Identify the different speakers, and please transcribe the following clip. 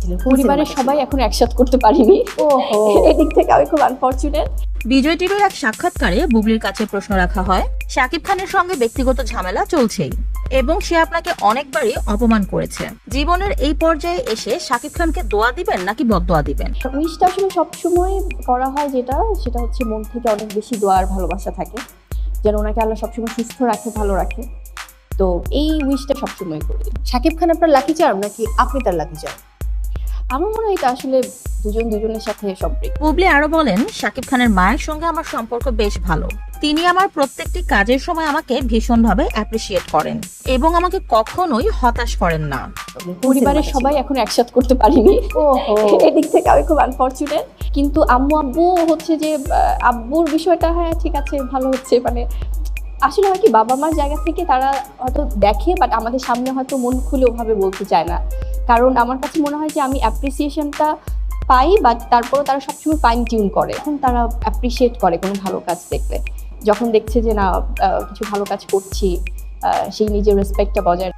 Speaker 1: ছিলেন?
Speaker 2: পরিবারের সবাই এখন একসাথে করতে পারিনি।
Speaker 1: ওহো।
Speaker 2: এদিক থেকে আমি খুব আনফরচুনেট।
Speaker 3: বিজয় টিভির এক সাক্ষাৎকারে বুবলির কাছে প্রশ্ন রাখা হয়, শাকিব খানের সঙ্গে ব্যক্তিগত ঝামেলা চলছেই এবং সে আপনাকে অনেকবারই অপমান করেছে। জীবনের এই পর্যায়ে এসে শাকিব খানকে দোয়া দিবেন নাকি বদদোয়া দিবেন?
Speaker 2: উইশটা আসলে সবসময় করা হয় সেটা হচ্ছে মন থেকে অনেক বেশি দোয়া আর ভালোবাসা থাকে, যেন ওনাকে আল্লাহ সবসময় সুস্থ রাখে, ভালো রাখে। তো এই উইশটা সবসময় করি।
Speaker 1: শাকিব খান আপনার লাকি চার্ম নাকি আপনি তার লাকি চার্ম?
Speaker 2: আমার মনে হয় এটা আসলে দুজনের সাথে সম্পৃক্ত।
Speaker 3: বুবলি আরো বলেন, শাকিব খানের মায়ের সঙ্গে আমার সম্পর্ক বেশ ভালো। তিনি আমার প্রত্যেকটি কাজের সময় আমাকে ভীষণভাবে অ্যাপ্রিসিয়েট করেন এবং আমাকে কখনোই হতাশ করেন না।
Speaker 2: পরিবারের সবাই এখন একসাথে করতে পারিনি।
Speaker 1: ওহো।
Speaker 2: এদিক থেকে আমি খুব আনফরচুনেট। কিন্তু আব্বু হচ্ছে যে আব্বুর বিষয়টা হ্যাঁ ঠিক আছে, ভালো হচ্ছে। মানে আসলে হয় কি, বাবা মার জায়গা থেকে তারা হয়তো দেখে, বাট আমাদের সামনে হয়তো মন খুলে ওভাবে বলতে চায় না। কারণ আমার কাছে মনে হয় যে আমি অ্যাপ্রিসিয়েশনটা পাই, বাট তারপরও তারা সবসময় ফাইন টিউন করে। এখন তারা অ্যাপ্রিসিয়েট করে কোনো ভালো কাজ দেখলে, যখন দেখছে যে না কিছু ভালো কাজ করছি, সেই নিজের রেসপেক্টটা বজায়